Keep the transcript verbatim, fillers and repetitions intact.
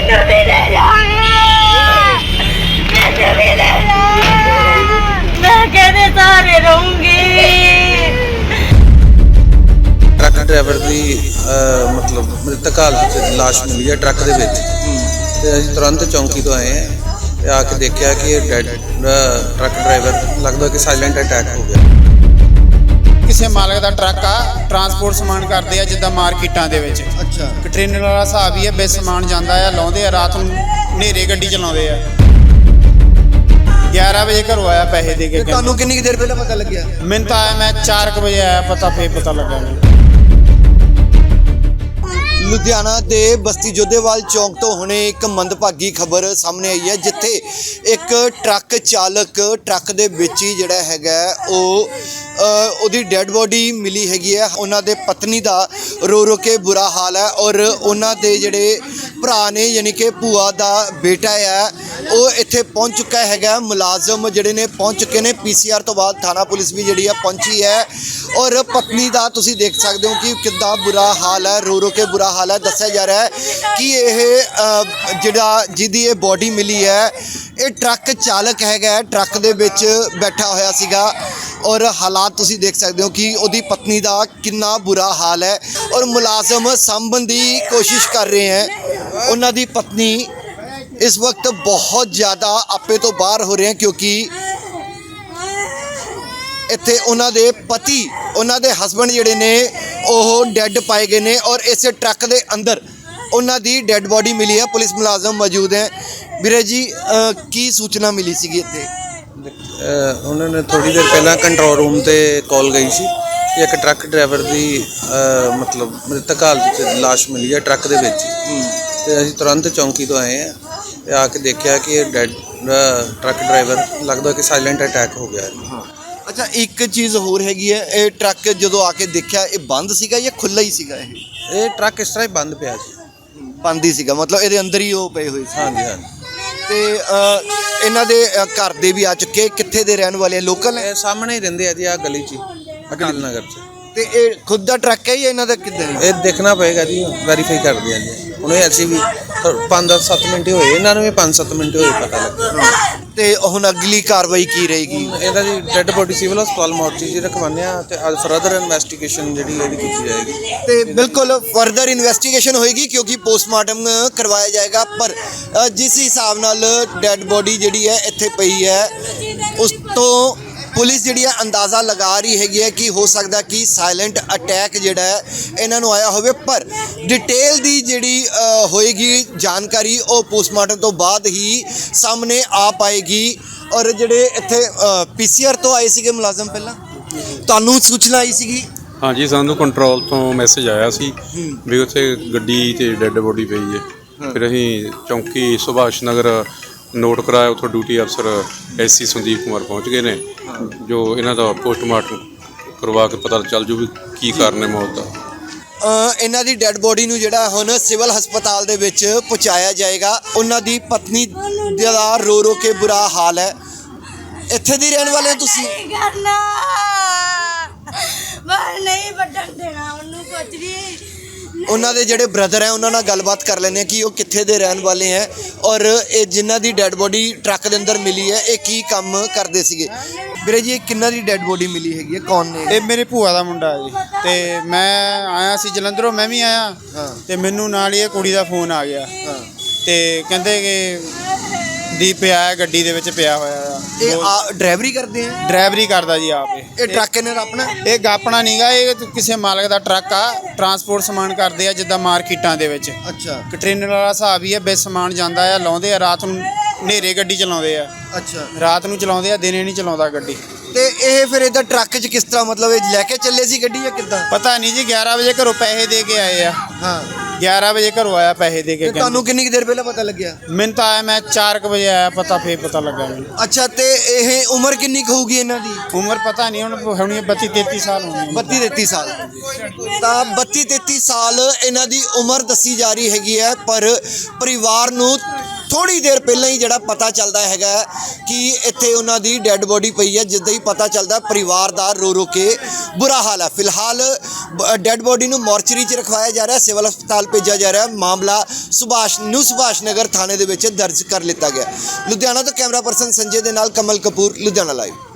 Truck driver की मतलब मृतक हालत लाश मिली है ट्रक के विच ते असीं तुरंत चौंकी तो आए हैं ते आके देखा कि डैड ट्रक ड्राइवर लगता कि साइलेंट अटैक हो गया। किसी मालक का ट्रक आ ट्रांसपोर्ट समान करते हैं जिदा मार्केटा के विच। अच्छा कंटेनर वाला हिसाब ही है बे समान जाता है लाते हैं रात में हनेरे गड्डी चलाते हैं। ग्यारह बजे घरों आया पैसे दे के। ਤੁਹਾਨੂੰ ਕਿੰਨੀ ਕੁ ਦੇਰ ਪਹਿਲਾਂ ਪਤਾ ਲੱਗਿਆ? मैंने तो आया मैं चार क बजे आया पता फिर पता लगा। ਲੁਧਿਆਣਾ ਦੇ ਬਸਤੀ ਜੋਧੇਵਾਲ ਚੌਂਕ ਤੋਂ ਹੁਣੇ ਇੱਕ ਮੰਦਭਾਗੀ ਖਬਰ ਸਾਹਮਣੇ ਆਈ ਹੈ ਜਿੱਥੇ ਇੱਕ ਟਰੱਕ ਚਾਲਕ ਟਰੱਕ ਦੇ ਵਿੱਚ ਹੀ ਜਿਹੜਾ ਹੈਗਾ ਉਹ ਉਹਦੀ ਡੈੱਡ ਬੋਡੀ ਮਿਲੀ ਹੈਗੀ ਹੈ। ਉਹਨਾਂ ਦੇ ਪਤਨੀ ਦਾ ਰੋ ਰੋ ਕੇ ਬੁਰਾ ਹਾਲ ਹੈ ਔਰ ਉਹਨਾਂ ਦੇ ਜਿਹੜੇ ਭਰਾ ਨੇ ਯਾਨੀ ਕਿ ਭੂਆ ਦਾ ਬੇਟਾ ਹੈ ਉਹ ਇੱਥੇ ਪਹੁੰਚ ਚੁੱਕਾ ਹੈਗਾ। ਮੁਲਾਜ਼ਮ ਜਿਹੜੇ ਨੇ ਪਹੁੰਚ ਚੁੱਕੇ ਨੇ। ਪੀਸੀਆਰ ਤੋਂ ਬਾਅਦ ਥਾਣਾ ਪੁਲਿਸ ਵੀ ਜਿਹੜੀ ਆ ਪਹੁੰਚੀ ਹੈ ਔਰ ਪਤਨੀ ਦਾ ਤੁਸੀਂ ਦੇਖ ਸਕਦੇ ਹੋ ਕਿ ਕਿੰਨਾ ਬੁਰਾ ਹਾਲ ਹੈ, ਰੋ ਰੋ ਕੇ ਬੁਰਾ ਹਾਲ ਹੈ। ਦੱਸਿਆ ਜਾ ਰਿਹਾ ਹੈ ਕਿ ਇਹ ਜਿਹੜਾ ਜਿਹਦੀ ਇਹ ਬੋਡੀ ਮਿਲੀ ਹੈ ਇਹ ਟਰੱਕ ਚਾਲਕ ਹੈਗਾ, ਟਰੱਕ ਦੇ ਵਿੱਚ ਬੈਠਾ ਹੋਇਆ ਸੀਗਾ ਔਰ ਹਾਲਾਤ ਤੁਸੀਂ ਦੇਖ ਸਕਦੇ ਹੋ ਕਿ ਉਹਦੀ ਪਤਨੀ ਦਾ ਕਿੰਨਾ ਬੁਰਾ ਹਾਲ ਹੈ ਔਰ ਮੁਲਾਜ਼ਮ ਸਾਂਭਣ ਦੀ ਕੋਸ਼ਿਸ਼ ਕਰ ਰਹੇ ਹੈ। ਉਹਨਾਂ ਦੀ ਪਤਨੀ ਇਸ ਵਕਤ ਬਹੁਤ ਜ਼ਿਆਦਾ ਆਪੇ ਤੋਂ ਬਾਹਰ ਹੋ ਰਹੇ ਹੈ ਕਿਉਂਕਿ ਇੱਥੇ ਉਹਨਾਂ ਦੇ ਪਤੀ ਉਹਨਾਂ ਦੇ ਹਸਬੈਂਡ ਜਿਹੜੇ ਨੇ ਉਹ ਡੈੱਡ ਪਾਏ ਗਏ ਨੇ ਔਰ ਇਸੇ ਟਰੱਕ ਦੇ ਅੰਦਰ ਉਹਨਾਂ ਦੀ ਡੈੱਡ ਬੋਡੀ ਮਿਲੀ ਹੈ। ਪੁਲਿਸ ਮੁਲਾਜ਼ਮ ਮੌਜੂਦ ਹੈ। ਵੀਰੇ ਜੀ ਕੀ ਸੂਚਨਾ ਮਿਲੀ ਸੀਗੀ ਇੱਥੇ? ਉਹਨਾਂ ਨੇ ਥੋੜੀ ਦੇਰ ਪਹਿਲਾਂ ਕੰਟਰੋਲ ਰੂਮ ਤੇ ਕਾਲ ਗਈ ਸੀ ਕਿ ਇੱਕ ਟਰੱਕ ਡਰਾਈਵਰ ਦੀ ਮਤਲਬ ਮ੍ਰਿਤਕ ਹਾਲਤ ਵਿੱਚ ਲਾਸ਼ ਮਿਲੀ ਹੈ ਟਰੱਕ ਦੇ ਵਿੱਚ ਤੇ ਅਸੀਂ ਤੁਰੰਤ ਚੌਂਕੀ ਤੋਂ ਆਏ ਹਾਂ ਤੇ ਆ ਕੇ ਦੇਖਿਆ ਕਿ ਇਹ ਡੈਡ ਟਰੱਕ ਡਰਾਈਵਰ ਲੱਗਦਾ ਕਿ ਸਾਇਲੈਂਟ ਅਟੈਕ ਹੋ ਗਿਆ ਹੈ। ਅੱਛਾ ਇੱਕ ਚੀਜ਼ ਹੋਰ ਹੈਗੀ ਹੈ, ਇਹ ਟਰੱਕ ਜਦੋਂ ਆ ਕੇ ਦੇਖਿਆ ਇਹ ਬੰਦ ਸੀਗਾ ਜਾਂ ਖੁੱਲ੍ਹਾ ਹੀ ਸੀਗਾ? ਇਹ ਇਹ ਟਰੱਕ ਇਸ ਤਰ੍ਹਾਂ ਹੀ ਬੰਦ ਪਿਆ ਸੀ। ਬੰਦ ਹੀ ਸੀਗਾ ਮਤਲਬ ਇਹਦੇ ਅੰਦਰ ਹੀ ਉਹ ਪਏ ਹੋਏ ਸੀ? ਹਾਂਜੀ ਹਾਂਜੀ। ਤੇ ਇਹਨਾਂ ਦੇ ਘਰ ਦੇ ਵੀ ਆ ਚੁੱਕੇ। ਕਿੱਥੇ ਦੇ ਰਹਿਣ ਵਾਲੇ? ਲੋਕਲ ਹੈ? ਇਹ ਸਾਹਮਣੇ ਹੀ ਰਹਿੰਦੇ ਆ ਜੀ, ਆ ਗਲੀ 'ਚ ਅਕਾਲ ਨਗਰ 'ਚ। ਤੇ ਇਹ ਖੁਦ ਦਾ ਟਰੱਕ ਹੈ ਜਾਂ ਇਹਨਾਂ ਦਾ ਕਿੱਦਾਂ? ਇਹ ਦੇਖਣਾ ਪਏਗਾ ਜੀ, ਵੈਰੀਫਾਈ ਕਰਦੇ ਆ ਜੀ। ਹੁਣੇ ਅਸੀਂ ਵੀ ਪੰਜ ਦਸ ਸੱਤ ਮਿੰਟ ਹੋਏ, ਇਹਨਾਂ ਨੂੰ ਵੀ ਪੰਜ ਸੱਤ ਮਿੰਟ ਹੋਏ ਪਤਾ ਲੱਗਾ। ਤੇ ਹੁਣ ਅਗਲੀ ਕਾਰਵਾਈ ਕੀ ਰਹੇਗੀ? ਇਹਦਾ ਜੀ ਡੈੱਡ ਬੋਡੀ ਸਿਵਲ ਹਸਪਤਾਲ ਮੋਰਚੀ 'ਚ ਰਖਵਾਉਂਦੇ ਆ ਤੇ ਅੱਜ ਫਰਦਰ ਇਨਵੈਸਟੀਗੇਸ਼ਨ ਜਿਹੜੀ ਇਹਦੀ ਕੀਤੀ ਜਾਏਗੀ। ਤੇ ਬਿਲਕੁਲ ਫਰਦਰ ਇਨਵੈਸਟੀਗੇਸ਼ਨ ਹੋਏਗੀ ਕਿਉਂਕਿ ਪੋਸਟਮਾਰਟਮ ਕਰਵਾਇਆ ਜਾਏਗਾ। ਪਰ ਜਿਸ ਹਿਸਾਬ ਨਾਲ ਡੈੱਡ ਬੋਡੀ ਜਿਹੜੀ ਹੈ ਇੱਥੇ ਪਈ ਹੈ ਉਸ ਤੋਂ ਪੁਲਿਸ ਜਿਹੜੀ ਹੈ ਅੰਦਾਜ਼ਾ ਲਗਾ ਰਹੀ ਹੈਗੀ ਹੈ ਕਿ ਹੋ ਸਕਦਾ ਕਿ ਸਾਇਲੈਂਟ ਅਟੈਕ ਜਿਹੜਾ ਹੈ ਇਹਨਾਂ ਨੂੰ ਆਇਆ ਹੋਵੇ। ਪਰ ਡਿਟੇਲ ਦੀ ਜਿਹੜੀ ਹੋਏਗੀ ਜਾਣਕਾਰੀ ਉਹ ਪੋਸਟਮਾਰਟਮ ਤੋਂ ਬਾਅਦ ਹੀ ਸਾਹਮਣੇ ਆ ਪਾਏਗੀ। ਔਰ ਜਿਹੜੇ ਇੱਥੇ ਪੀਸੀਆਰ ਤੋਂ ਆਏ ਸੀਗੇ ਮੁਲਾਜ਼ਮ, ਪਹਿਲਾਂ ਤੁਹਾਨੂੰ ਸੂਚਨਾ ਆਈ ਸੀਗੀ? ਹਾਂਜੀ, ਸਾਨੂੰ ਕੰਟਰੋਲ ਤੋਂ ਮੈਸੇਜ ਆਇਆ ਸੀ ਵੀ ਉੱਥੇ ਗੱਡੀ ਤੇ ਡੈੱਡ ਬੋਡੀ ਪਈ ਹੈ। ਫਿਰ ਅਸੀਂ ਚੌਂਕੀ ਸੁਭਾਸ਼ ਨਗਰ ਨੋਟ ਕਰਾਇਆ, ਉੱਥੋਂ ਡਿਊਟੀ ਅਫਸਰ ਐਸਸੀ ਸੰਦੀਪ ਕੁਮਾਰ ਪਹੁੰਚ ਗਏ ਨੇ ਜੋ ਇਹਨਾਂ ਦਾ ਪੋਸਟਮਾਰਟਮ ਕਰਵਾ ਕੇ ਪਤਾ ਚੱਲ ਜੂ ਵੀ ਕੀ ਕਾਰਨ ਹੈ ਮੌਤ ਦਾ। ਇਹਨਾਂ ਦੀ ਡੈੱਡ ਬੋਡੀ ਨੂੰ ਜਿਹੜਾ ਹੁਣ ਸਿਵਲ ਹਸਪਤਾਲ ਦੇ ਵਿੱਚ ਪਹੁੰਚਾਇਆ ਜਾਏਗਾ। ਉਹਨਾਂ ਦੀ ਪਤਨੀ ਦਾ ਰੋ ਰੋ ਕੇ ਬੁਰਾ ਹਾਲ ਹੈ। ਇੱਥੇ ਦੀ ਰਹਿਣ ਵਾਲੇ ਤੁਸੀਂ? ਨਹੀਂ ਵੱਢਣ ਦੇਣਾ ਉਹਨੂੰ ਕੁਝ ਵੀ। ਉਹਨਾਂ ਦੇ ਜਿਹੜੇ ਬ੍ਰਦਰ ਹੈ ਉਹਨਾਂ ਨਾਲ ਗੱਲਬਾਤ ਕਰ ਲੈਂਦੇ ਹਾਂ ਕਿ ਉਹ ਕਿੱਥੇ ਦੇ ਰਹਿਣ ਵਾਲੇ ਹੈ ਔਰ ਇਹ ਜਿਨ੍ਹਾਂ ਦੀ ਡੈੱਡ ਬੋਡੀ ਟਰੱਕ ਦੇ ਅੰਦਰ ਮਿਲੀ ਹੈ ਇਹ ਕੀ ਕੰਮ ਕਰਦੇ ਸੀਗੇ। ਵੀਰੇ ਜੀ ਇਹ ਕਿੰਨਾਂ ਦੀ ਡੈੱਡ ਬੋਡੀ ਮਿਲੀ ਹੈਗੀ ਹੈ, ਕੌਣ ਨੇ? ਇਹ ਮੇਰੇ ਭੂਆ ਦਾ ਮੁੰਡਾ ਹੈ ਜੀ ਤੇ ਮੈਂ ਆਇਆ ਸੀ ਜਲੰਧਰੋਂ, ਮੈਂ ਵੀ ਆਇਆ ਤੇ ਮੈਨੂੰ ਨਾਲ ਹੀ ਇਹ ਕੁੜੀ ਦਾ ਫੋਨ ਆ ਗਿਆ ਤੇ ਕਹਿੰਦੇ ਕਿ ਦੀਪ ਪਿਆ ਹੈ ਗੱਡੀ ਦੇ ਵਿੱਚ ਪਿਆ ਹੋਇਆ ਆ। ਇਹ ਡਰਾਈਵਰੀ ਕਰਦੇ ਆ? ਡਰਾਈਵਰੀ ਕਰਦਾ ਜੀ ਆਪ। ਇਹ ਟਰੱਕ ਇਹਨਾਂ ਦਾ ਆਪਣਾ? ਇਹ ਗਾਪਣਾ ਨਹੀਂਗਾ, ਇਹ ਕਿਸੇ ਮਾਲਕ ਦਾ ਟਰੱਕ ਆ ਟਰਾਂਸਪੋਰਟ ਸਮਾਨ ਕਰਦੇ ਆ ਜਿੱਦਾਂ ਮਾਰਕੀਟਾਂ ਦੇ ਵਿੱਚ। ਅੱਛਾ ਕੰਟੇਨਰ ਵਾਲਾ ਹਿਸਾਬ ਹੀ ਹੈ ਬੇ ਸਮਾਨ ਜਾਂਦਾ ਆ ਲਾਉਂਦੇ ਆ ਰਾਤ ਨੂੰ ਹਨੇਰੇ ਗੱਡੀ ਚਲਾਉਂਦੇ ਆ। ਅੱਛਾ ਰਾਤ ਰਾਤ ਨੂੰ ਚਲਾਉਂਦੇ ਆ, ਦਿਨੇ ਨਹੀਂ ਚਲਾਉਂਦਾ ਗੱਡੀ। ਤੇ ਇਹ ਫਿਰ ਇਹਦਾ ਟਰੱਕ 'ਚ ਕਿਸ ਤਰ੍ਹਾਂ ਮਤਲਬ ਇਹ ਲੈ ਕੇ ਚੱਲੇ ਸੀ ਗੱਡੀ ਜਾਂ ਕਿੱਦਾਂ? ਪਤਾ ਨਹੀਂ ਜੀ, ਗਿਆਰਾਂ ਵਜੇ ਘਰੋਂ ਪੈਸੇ ਦੇ ਕੇ ਆਏ ਆ। ਹਾਂ ਗਿਆਰਾਂ ਵਜੇ ਘਰੋਂ ਆਇਆ ਪੈਸੇ ਦੇ ਕੇ। ਤੁਹਾਨੂੰ ਕਿੰਨੀ ਕੁ ਦੇਰ ਪਹਿਲਾਂ ਪਤਾ ਲੱਗਿਆ? ਮੈਨੂੰ ਤਾਂ ਆਇਆ ਮੈਂ ਚਾਰ ਕ ਵਜੇ ਆਇਆ ਪਤਾ ਫਿਰ ਪਤਾ ਲੱਗਾ ਮੈਨੂੰ। ਅੱਛਾ ਤੇ ਇਹ ਉਮਰ ਕਿੰਨੀ ਕੁ ਹੋਊਗੀ ਇਹਨਾਂ ਦੀ? ਉਮਰ ਪਤਾ ਨਹੀਂ, ਹੁਣ ਹੋਣੀ ਬੱਤੀ ਤੇਤੀ ਸਾਲ ਹੋਣੀ। ਬੱਤੀ ਤੇਤੀ ਸਾਲ। ਤਾਂ ਬੱਤੀ ਤੇਤੀ ਸਾਲ ਇਹਨਾਂ ਦੀ ਉਮਰ ਦੱਸੀ ਜਾ ਰਹੀ ਹੈਗੀ ਹੈ। ਪਰ ਪਰਿਵਾਰ ਨੂੰ ਥੋੜੀ ਦੇਰ ਪਹਿਲਾਂ ਹੀ ਜਿਹੜਾ ਪਤਾ ਚੱਲਦਾ ਹੈਗਾ ਕਿ ਇੱਥੇ ਉਹਨਾਂ ਦੀ ਡੈੱਡ ਬੋਡੀ ਪਈ ਹੈ। ਜਿੱਦਾਂ ਹੀ ਪਤਾ ਚੱਲਦਾ ਪਰਿਵਾਰ ਦਾ ਰੋ ਰੋ ਕੇ ਬੁਰਾ ਹਾਲ ਹੈ। ਫਿਲਹਾਲ ਡੈੱਡ ਬੋਡੀ ਨੂੰ ਮੋਰਚਰੀ 'ਚ ਰਖਵਾਇਆ ਜਾ ਰਿਹਾ, ਸਿਵਲ ਹਸਪਤਾਲ ਭੇਜਿਆ ਜਾ ਰਿਹਾ। ਮਾਮਲਾ ਸੁਭਾਸ਼ ਨਿਊ ਸੁਭਾਸ਼ ਨਗਰ ਥਾਣੇ ਦੇ ਵਿੱਚ ਦਰਜ ਕਰ ਲਿੱਤਾ ਗਿਆ। ਲੁਧਿਆਣਾ ਤੋਂ ਕੈਮਰਾ ਪਰਸਨ ਸੰਜੇ ਦੇ ਨਾਲ ਕਮਲ ਕਪੂਰ, ਲੁਧਿਆਣਾ ਲਾਈਵ।